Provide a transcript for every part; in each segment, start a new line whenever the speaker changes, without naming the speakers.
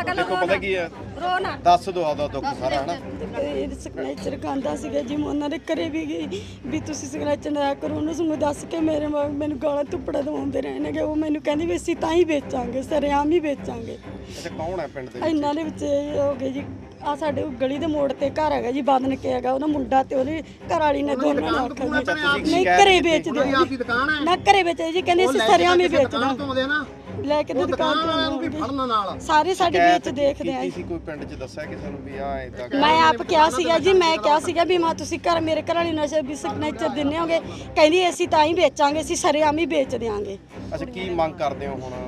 ਦੇਖੋ ਪਤਾ ਕੀ ਹੈ,
ਰੋਣਾ
ਦੱਸ ਦੋ ਆਦਾ ਦੁੱਖ ਸਾਰਾ ਹਨਾ।
ਸਿਗਨੇਚਰ ਖਾਂਦਾ ਸੀਗਾ ਜੀ, ਮੈਂ ਉਹਨਾਂ ਦੇ ਘਰੇ ਵੀ ਗਈ ਵੀ ਤੁਸੀਂ ਸਿਗਨੇਚਰ ਨਾ ਕਰੋ, ਉਹਨੂੰ ਸਾਨੂੰ ਦੱਸ ਕੇ ਮੈਨੂੰ ਗਾਲਾਂ ਧੁੱਪੜਾ ਦਵਾਉਂਦੇ ਰਹੇ ਨੇਗੇ। ਉਹ ਮੈਨੂੰ ਕਹਿੰਦੀ ਵੀ ਅਸੀਂ ਤਾਂ ਹੀ ਵੇਚਾਂਗੇ, ਸਰੇਆਮ ਹੀ ਵੇਚਾਂਗੇ।
ਅੱਛਾ, ਕੌਣ ਹੈ ਪਿੰਡ ਦੇ
ਇਹਨਾਂ ਦੇ ਵਿੱਚ ਇਹ ਹੋ ਗਏ ਜੀ, ਆ ਸਾਡੇ ਗਲੀ ਦੇ ਮੋੜ ਤੇ ਘਰ ਹੈਗਾ ਜੀ, ਬਦਨ ਕੇ ਹੈਗਾ, ਉਹਦਾ ਮੁੰਡਾ ਤੇ ਉਹਦੀ ਘਰ ਵਾਲੀ ਨੇ ਦੋਨਾਂ ਨੇ ਆਖਿਆ ਜੀ ਨਹੀਂ ਘਰੇ ਵੇਚਦੇ ਨਾ, ਘਰੇ ਵੇਚਦੇ ਜੀ, ਕਹਿੰਦੇ ਅਸੀਂ ਸਰੇਆਮ ਹੀ ਵੇਚਦਾ ਲੈ ਕੇ ਦੁਕਾਨ ਤੋਂ ਸਾਰੇ ਸਾਡੇ ਵਿੱਚ ਦੇਖਦੇ ਆ।
ਸੀ ਕੋਈ ਪਿੰਡ 'ਚ ਦੱਸਿਆ ਕਿਸੇ ਨੂੰ ਵੀ ਆ ਇਦਾਂ?
ਮੈਂ ਆਪ ਕਿਹਾ ਸੀਗਾ ਜੀ, ਮੈਂ ਕਿਹਾ ਸੀਗਾ ਵੀ ਮਾਂ ਤੁਸੀਂ ਘਰ ਮੇਰੇ ਘਰ ਵਾਲੀ ਨਸ਼ੇ ਵੀ ਸਿਗਨੇਚਰ ਦਿੰਨੇ ਹੋਗੇ, ਕਹਿੰਦੀ ਅਸੀਂ ਤਾਂ ਹੀ ਵੇਚਾਂਗੇ, ਅਸੀਂ ਸਰੇਆਮ ਹੀ ਵੇਚ ਦਿਆਂਗੇ।
ਅੱਛਾ, ਕੀ ਮੰਗ ਕਰਦੇ ਹੋ ਹੁਣ?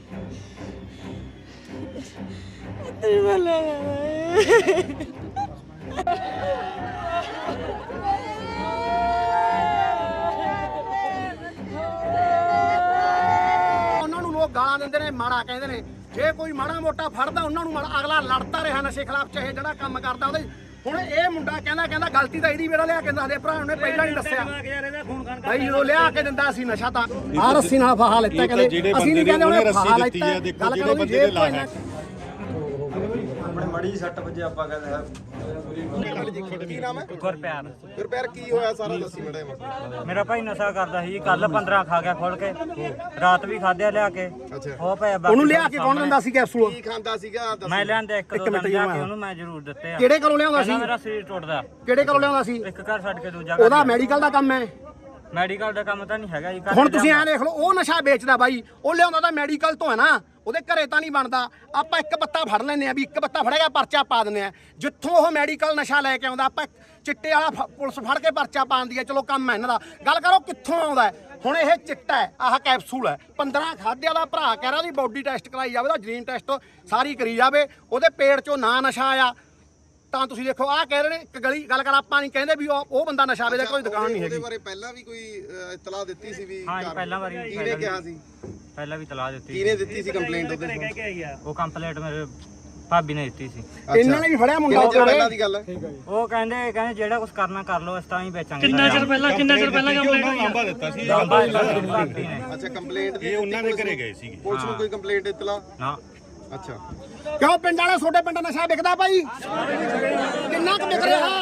ਗਾਲਾਂ ਦਿੰਦੇ ਨੇ, ਮਾੜਾ ਕਹਿੰਦੇ ਨੇ। ਜੇ ਕੋਈ ਮਾੜਾ ਮੋਟਾ ਫੜਦਾ ਉਹਨਾਂ ਨੂੰ ਅਗਲਾ ਲੜਦਾ ਰਿਹਾ ਨਸ਼ੇ ਖਿਲਾਫ, ਚਾਹੇ ਜਿਹੜਾ ਕੰਮ ਕਰਦਾ ਉਹਦੇ। ਹੁਣ ਇਹ ਮੁੰਡਾ ਕਹਿੰਦਾ ਗਲਤੀ ਤਾਂ ਇਹਦੀ ਵੇੜਾ ਲਿਆ ਕੇ ਦੱਸਦੇ ਭਰਾ ਨੇ ਪਹਿਲਾਂ ਨਹੀਂ ਦੱਸਿਆ ਭਾਈ, ਜਦੋਂ ਲਿਆ ਕੇ ਦਿੰਦਾ ਸੀ ਨਸ਼ਾ ਤਾਂ ਆਹ ਰੱਸੀ ਨਾਲ ਫਾਹਾ ਲੈਤਾ, ਕਹਿੰਦੇ ਅਸੀਂ ਨਹੀਂ ਕਹਿੰਦੇ ਉਹਨੇ ਫਾਹਾ ਲੈਤਾ। ਗੱਲ ਕਰੋ ਵੀ ਜੇ ਕੋਈ ਨਾ
ਆਪਣੇ ਮੜੀ ਸੱਟ ਵਜੇ ਆਪਾਂ ਕਹਿੰਦੇ
ਕੀ ਨਾਮ ਹੈ?
ਗੁਰਪਿਆਰ।
ਗੁਰਪਿਆਰ, ਕੀ ਹੋਇਆ ਸਾਰਾ ਦੱਸੀ ਮੜਾ।
ਮੇਰਾ ਭਾਈ ਨਸ਼ਾ ਕਰਦਾ ਸੀ ਕੱਲ 15 ਖਾ ਗਿਆ ਖੋਲ ਕੇ, ਰਾਤ ਵੀ ਖਾਧਿਆ ਲਿਆ ਕੇ।
ਅੱਛਾ,
ਉਹ ਪਿਆ
ਉਹਨੂੰ ਲਿਆ ਕੇ ਕੌਣ ਦਿੰਦਾ ਸੀ ਕੈਪਸੂਲ?
ਕੀ ਖਾਂਦਾ ਸੀਗਾ?
ਮੈਂ ਲਿਆਂਦੇ ਇੱਕ ਦੋ ਦਿਨ ਜਾ ਕੇ ਉਹਨੂੰ ਮੈਂ ਜ਼ਰੂਰ ਦਿੱਤੇ ਆ।
ਕਿਹੜੇ ਕੋਲੋਂ ਲਿਆਉਂਦਾ ਸੀ?
ਮੇਰਾ ਸਰੀਰ ਟੁੱਟਦਾ।
ਕਿਹੜੇ ਕੋਲੋਂ ਲਿਆਉਂਦਾ ਸੀ?
ਇੱਕ ਘਰ ਛੱਡ ਕੇ ਦੂਜਾ
ਉਹਦਾ ਮੈਡੀਕਲ ਦਾ ਕੰਮ ਹੈ।
ਮੈਡੀਕਲ ਦਾ ਕੰਮ ਤਾਂ ਨਹੀਂ ਹੈਗਾ ਜੀ।
ਹੁਣ ਤੁਸੀਂ ਐਂ ਦੇਖ ਲਓ, ਉਹ ਨਸ਼ਾ ਵੇਚਦਾ ਬਾਈ, ਉਹ ਲਿਆਉਂਦਾ ਤਾਂ ਮੈਡੀਕਲ ਤੋਂ ਹੈ ਨਾ, ਉਹਦੇ ਘਰੇ ਤਾਂ ਨਹੀਂ ਬਣਦਾ। ਆਪਾਂ ਇੱਕ ਬੱਤਾ ਫੜ ਲੈਂਦੇ ਆ ਵੀ ਇੱਕ ਬੱਤਾ ਫੜੇਗਾ ਪਰਚਾ ਪਾ ਦਿੰਦੇ ਆ। ਜਿੱਥੋਂ ਉਹ ਮੈਡੀਕਲ ਨਸ਼ਾ ਲੈ ਕੇ ਆਉਂਦਾ, ਆਪਾਂ ਚਿੱਟੇ ਵਾਲਾ ਪੁਲਿਸ ਫੜ ਕੇ ਪਰਚਾ ਪਾਉਂਦੀ ਹੈ, ਚਲੋ ਕੰਮ ਹੈ ਇਹਨਾਂ ਦਾ। ਗੱਲ ਕਰੋ ਕਿੱਥੋਂ ਆਉਂਦਾ ਹੈ। ਹੁਣ ਇਹ ਚਿੱਟਾ ਹੈ, ਆਹ ਕੈਪਸੂਲ ਹੈ, 15 ਖਾਧਿਆ ਦਾ ਭਰਾ ਕਹਿ ਰਿਹਾ ਉਹਦੀ ਬੋਡੀ ਟੈਸਟ ਕਰਾਈ ਜਾਵੇ, ਉਹਦਾ ਜੀਨ ਟੈਸਟ ਸਾਰੀ ਕਰੀ ਜਾਵੇ, ਉਹਦੇ ਪੇਟ 'ਚੋਂ ਨਾ ਨਸ਼ਾ ਆਇਆ ਤਾਂ ਤੁਸੀਂ ਦੇਖੋ ਆਹ ਕਹਿ ਰਹੇ ਨੇ। ਇੱਕ ਗਲੀ ਗੱਲ ਕਰ, ਆਪਾਂ ਨਹੀਂ ਕਹਿੰਦੇ ਵੀ ਉਹ ਬੰਦਾ ਨਸ਼ਾ ਵੇਚਦਾ, ਕੋਈ ਦੁਕਾਨ ਨਹੀਂ ਹੈਗੀ।
ਉਹਦੇ ਬਾਰੇ ਪਹਿਲਾਂ ਵੀ ਕੋਈ ਇਤਲਾਹ ਦਿੱਤੀ ਸੀ ਵੀ?
ਹਾਂ ਜੀ, ਪਹਿਲਾਂ ਵਾਰੀ
ਕਿਹਨੇ ਕਿਹਾ ਸੀ?
ਪਹਿਲਾਂ ਵੀ ਤਲਾਹ ਦਿੱਤੀ।
ਕਿਹਨੇ ਦਿੱਤੀ ਸੀ ਕੰਪਲੇਂਟ ਉਹਦੇ?
ਉਹ ਕੰਪਲੇਂਟ ਮੇਰੇ ਭਾਬੀ ਨੇ ਦਿੱਤੀ ਸੀ।
ਇਹਨਾਂ ਨੇ ਵੀ ਫੜਿਆ ਮੁੰਡਾ।
ਪਹਿਲਾਂ ਦੀ ਗੱਲ ਹੈ।
ਉਹ ਕਹਿੰਦੇ ਜਿਹੜਾ ਕੁਝ ਕਰਨਾ ਕਰ ਲਓ, ਇਸ ਤਾਂ ਹੀ ਵੇਚਾਂਗੇ।
ਕਿੰਨਾ ਚਿਰ ਪਹਿਲਾਂ ਕੰਪਲੇਂਟ ਹੋਈ?
ਲਾਂਬਾ ਦਿੱਤਾ ਸੀ
ਭਾਬੀ ਨੇ।
ਅੱਛਾ, ਕੰਪਲੇਂਟ
ਇਹ ਉਹਨਾਂ ਦੇ ਘਰੇ ਗਏ ਸੀਗੇ।
ਪੁਲਿਸ ਨੂੰ ਕੋਈ ਕੰਪਲੇਂਟ ਇਤਲਾਹ?
ਨਾ।
ਅੱਛਾ,
ਕਿਉਂ ਪਿੰਡ ਵਾਲੇ ਛੋਟੇ ਪਿੰਡ ਨਸ਼ਾ ਵਿਕਦਾ ਭਾਈ? ਕਿੰਨਾ ਕੁ ਵਿਕ ਰਿਹਾ?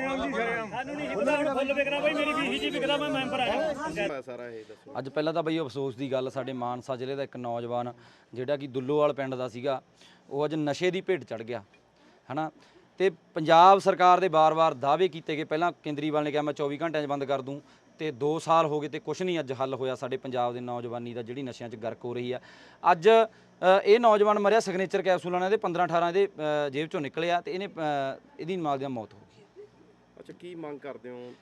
ਸਾਰਾ ਇਹ ਦੱਸੋ।
ਅੱਜ ਪਹਿਲਾਂ ਤਾਂ ਬਈ ਅਫਸੋਸ ਦੀ ਗੱਲ, ਸਾਡੇ ਮਾਨਸਾ ਜ਼ਿਲ੍ਹੇ ਦਾ ਇੱਕ ਨੌਜਵਾਨ ਜਿਹੜਾ ਕਿ ਦੁੱਲੋਵਾਲ ਪਿੰਡ ਦਾ ਸੀਗਾ, ਉਹ ਅੱਜ ਨਸ਼ੇ ਦੀ ਭੇਟ ਚੜ ਗਿਆ ਹਨਾ। ਤੇ ਪੰਜਾਬ ਸਰਕਾਰ ਦੇ ਵਾਰ-ਵਾਰ ਦਾਅਵੇ ਕੀਤੇ ਗਏ। ਪਹਿਲਾਂ ਕੇਂਦਰੀਵਾਲ ਨੇ ਕਿਹਾ ਮੈਂ 24 ਘੰਟਿਆਂ 'ਚ ਬੰਦ ਕਰ ਦੂੰ, ਤੇ 2 ਸਾਲ ਹੋ ਗਏ ਤੇ ਕੁਛ ਨਹੀਂ ਅੱਜ ਹੱਲ ਹੋਇਆ ਸਾਡੇ ਪੰਜਾਬ ਦੇ ਨੌਜਵਾਨੀ ਦਾ, ਜਿਹੜੀ ਨਸ਼ਿਆਂ 'ਚ ਗਰਕ ਹੋ ਰਹੀ ਆ। ਅੱਜ ਇਹ ਨੌਜਵਾਨ ਮਰਿਆ ਸਿਗਨੇਚਰ ਕੈਪਸੂਲਾਂ ਨਾਲ, ਇਹਦੇ 15-18 ਇਹਦੇ ਜੇਬ 'ਚੋਂ ਨਿਕਲਿਆ ਤੇ ਇਹਦੀ ਨਾਲ ਦੀ ਮੌਤ ਹੋ ਗਈ।
ਅੱਛਾ, ਕੀ ਮੰਗ ਕਰਦੇ ਹੋ?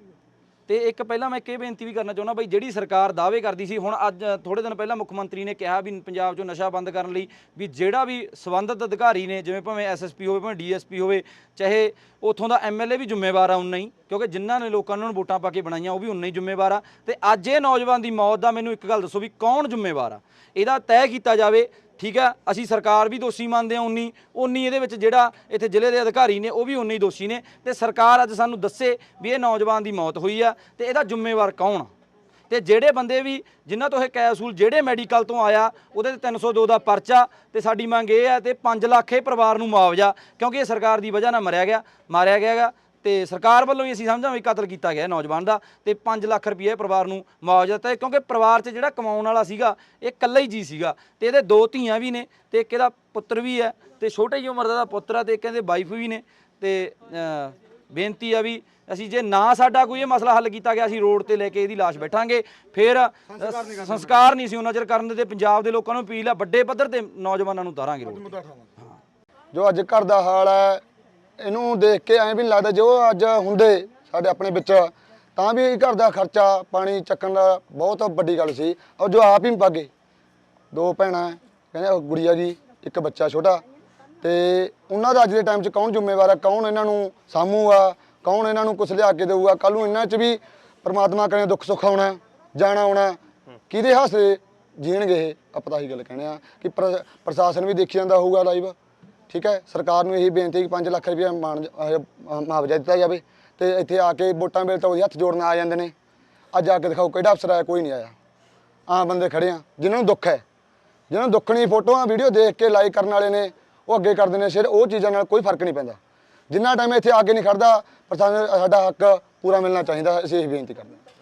ਤੇ ਇੱਕ ਪਹਿਲਾਂ ਮੈਂ ਇਹ ਬੇਨਤੀ ਵੀ ਕਰਨਾ ਚਾਹੁੰਦਾ ਬਈ, ਜਿਹੜੀ ਸਰਕਾਰ ਦਾਅਵੇ ਕਰਦੀ ਸੀ, ਹੁਣ ਅੱਜ ਥੋੜੇ ਦਿਨ ਪਹਿਲਾਂ ਮੁੱਖ ਮੰਤਰੀ ਨੇ ਕਿਹਾ ਵੀ ਪੰਜਾਬ 'ਚੋਂ ਨਸ਼ਾ ਬੰਦ ਕਰਨ ਲਈ ਵੀ ਜਿਹੜਾ ਵੀ ਸੰਬੰਧਿਤ ਅਧਿਕਾਰੀ ਨੇ, ਜਿਵੇਂ ਭਾਵੇਂ ਐਸਐਸਪੀ ਹੋਵੇ, ਭਾਵੇਂ ਡੀਐਸਪੀ ਹੋਵੇ, ਚਾਹੇ ਉੱਥੋਂ ਦਾ ਐਮਐਲਏ ਵੀ ਜ਼ਿੰਮੇਵਾਰ ਆ ਉਨਾ ਹੀ, ਕਿਉਂਕਿ ਜਿਨ੍ਹਾਂ ਨੇ ਲੋਕਾਂ ਨੂੰ ਵੋਟਾਂ ਪਾ ਕੇ ਬਣਾਈਆਂ ਉਹ ਵੀ ਉਨਾ ਹੀ ਜ਼ਿੰਮੇਵਾਰ ਆ। ਤੇ ਅੱਜ ਇਹ ਨੌਜਵਾਨ ਦੀ ਮੌਤ ਦਾ ਮੈਨੂੰ ਇੱਕ ਗੱਲ ਦੱਸੋ ਵੀ ਕੌਣ ਜ਼ਿੰਮੇਵਾਰ ਆ? ਇਹਦਾ ਤੈਅ ਕੀਤਾ ਜਾਵੇ। ਠੀਕ ਆ, ਅਸੀਂ ਸਰਕਾਰ ਵੀ ਦੋਸ਼ੀ ਮੰਨਦੇ ਹਾਂ, ਉਨੀ ਇਹਦੇ ਵਿੱਚ ਜਿਹੜਾ ਇੱਥੇ ਜ਼ਿਲ੍ਹੇ ਦੇ ਅਧਿਕਾਰੀ ਨੇ ਉਹ ਵੀ ਉਨੇ ਹੀ ਦੋਸ਼ੀ ਨੇ। ਤੇ ਸਰਕਾਰ ਅੱਜ ਸਾਨੂੰ ਦੱਸੇ ਵੀ ਇਹ ਨੌਜਵਾਨ ਦੀ ਮੌਤ ਹੋਈ ਆ ਤੇ ਇਹਦਾ ਜ਼ਿੰਮੇਵਾਰ ਕੌਣ ਆ। ਤੇ ਜਿਹੜੇ ਬੰਦੇ ਵੀ ਜਿਨ੍ਹਾਂ ਤੋਂ ਇਹ ਕੈਪਸੂਲ ਜਿਹੜੇ ਮੈਡੀਕਲ ਤੋਂ ਆਇਆ, ਉਹਦੇ ਤੇ 302 ਦਾ ਪਰਚਾ। ਤੇ ਸਾਡੀ ਮੰਗ ਇਹ ਹੈ ਤੇ 5 ਲੱਖ ਇਹ ਪਰਿਵਾਰ ਨੂੰ ਮੁਆਵਜ਼ਾ, ਕਿਉਂਕਿ ਇਹ ਸਰਕਾਰ ਦੀ ਵਜ੍ਹਾ ਨਾਲ ਮਾਰਿਆ ਗਿਆ ਤੇ ਸਰਕਾਰ ਵੱਲੋਂ ਹੀ ਅਸੀਂ ਸਮਝਾਂ ਵੀ ਕਤਲ ਕੀਤਾ ਗਿਆ ਨੌਜਵਾਨ ਦਾ। ਤੇ 5 ਲੱਖ ਰੁਪਏ ਪਰਿਵਾਰ ਨੂੰ ਮੁਆਵਜ਼ਾ ਦਿੱਤਾ, ਕਿਉਂਕਿ ਪਰਿਵਾਰ 'ਚ ਜਿਹੜਾ ਕਮਾਉਣ ਵਾਲਾ ਸੀਗਾ ਇਹ ਇਕੱਲਾ ਹੀ ਜੀ ਸੀਗਾ। ਤੇ ਇਹਦੇ 2 ਧੀਆਂ ਵੀ ਨੇ ਤੇ ਇੱਕ ਇਹਦਾ ਪੁੱਤਰ ਵੀ ਹੈ ਤੇ ਛੋਟੀ ਜਿਹੀ ਉਮਰ ਦਾ ਪੁੱਤਰ ਆ ਤੇ ਇੱਕ ਇਹਦੇ ਵਾਈਫ ਵੀ ਨੇ। ਤੇ ਬੇਨਤੀ ਆ ਵੀ ਅਸੀਂ ਜੇ ਨਾ ਸਾਡਾ ਕੋਈ ਇਹ ਮਸਲਾ ਹੱਲ ਕੀਤਾ ਗਿਆ, ਅਸੀਂ ਰੋਡ ਤੇ ਲੈ ਕੇ ਇਹਦੀ ਲਾਸ਼ ਬੈਠਾਂਗੇ। ਫਿਰ ਸੰਸਕਾਰ ਨਹੀਂ ਸੀ ਉਹਨਾਂ ਚਿਰ ਕਰਨ ਦੇ। ਪੰਜਾਬ ਦੇ ਲੋਕਾਂ ਨੂੰ ਅਪੀਲ ਆ, ਵੱਡੇ ਪੱਧਰ ਤੇ ਨੌਜਵਾਨਾਂ ਨੂੰ ਉਤਾਰਾਂਗੇ ਰੋਡ ਤੇ।
ਜੋ ਅੱਜ ਘਰ ਦਾ ਹਾਲ ਹੈ, ਇਹਨੂੰ ਦੇਖ ਕੇ ਐਂ ਵੀ ਨਹੀਂ ਲੱਗਦਾ ਜੋ ਅੱਜ ਹੁੰਦੇ ਸਾਡੇ ਆਪਣੇ ਵਿੱਚ, ਤਾਂ ਵੀ ਘਰ ਦਾ ਖਰਚਾ ਪਾਣੀ ਚੱਕਣ ਦਾ ਬਹੁਤ ਵੱਡੀ ਗੱਲ ਸੀ। ਔਰ ਜੋ ਆਪ ਹੀ ਭਾਗੇ, 2 ਭੈਣਾਂ ਕਹਿੰਦੇ ਗੁੜੀਆ ਜੀ, ਇੱਕ ਬੱਚਾ ਛੋਟਾ, ਤੇ ਉਹਨਾਂ ਦਾ ਅੱਜ ਦੇ ਟਾਈਮ 'ਚ ਕੌਣ ਜ਼ਿੰਮੇਵਾਰ ਹੈ? ਕੌਣ ਇਹਨਾਂ ਨੂੰ ਸਾਂਭੂਗਾ? ਕੌਣ ਇਹਨਾਂ ਨੂੰ ਕੁਛ ਲਿਆ ਕੇ ਦੇਊਗਾ? ਕੱਲ੍ਹ ਨੂੰ ਇਹਨਾਂ 'ਚ ਵੀ ਪਰਮਾਤਮਾ ਕਰੇ ਦੁੱਖ ਸੁੱਖ ਆਉਣਾ, ਜਾਣਾ ਆਉਣਾ, ਕਿਹਦੇ ਹਾਸੇ ਜੀਣਗੇ ਇਹ? ਆਪਾਂ ਤਾਂ ਇਹੀ ਗੱਲ ਕਹਿੰਦੇ ਆ ਕਿ ਪ੍ਰਸ਼ਾਸਨ ਵੀ ਦੇਖੀ ਜਾਂਦਾ ਹੋਊਗਾ ਲਾਈਵ। ਠੀਕ ਹੈ, ਸਰਕਾਰ ਨੂੰ ਇਹੀ ਬੇਨਤੀ ਕਿ 5 ਲੱਖ ਰੁਪਏ ਮੁਆਵਜ਼ਾ ਦਿੱਤਾ ਜਾਵੇ। ਤੇ ਇੱਥੇ ਆ ਕੇ ਵੋਟਾਂ ਵੇਲੇ ਤਾਂ ਉਹਦੇ ਹੱਥ ਜੋੜਨ ਆ ਜਾਂਦੇ ਨੇ। ਅੱਜ ਆ ਕੇ ਦਿਖਾਓ ਕਿਹੜਾ ਅਫਸਰ ਆਇਆ? ਕੋਈ ਨਹੀਂ ਆਇਆ। ਆਮ ਬੰਦੇ ਖੜੇ ਆ ਜਿਨ੍ਹਾਂ ਨੂੰ ਦੁੱਖ ਹੈ, ਜਿਹਨਾਂ ਨੂੰ ਦੁੱਖ ਨਹੀਂ, ਫੋਟੋਆਂ ਵੀਡੀਓ ਦੇਖ ਕੇ ਲਾਈਕ ਕਰਨ ਵਾਲੇ ਨੇ, ਉਹ ਅੱਗੇ ਕਰਦੇ ਨੇ ਸਿਰ ਉਹ ਚੀਜ਼ਾਂ ਨਾਲ ਕੋਈ ਫਰਕ ਨਹੀਂ ਪੈਂਦਾ ਜਿੰਨਾ ਟਾਈਮ ਇੱਥੇ ਅੱਗੇ ਨਹੀਂ ਖੜਦਾ ਪਰ ਸਾਨੂੰ ਸਾਡਾ ਹੱਕ ਪੂਰਾ ਮਿਲਣਾ ਚਾਹੀਦਾ ਅਸੀਂ ਇਹ ਬੇਨਤੀ ਕਰਦੇ ਹਾਂ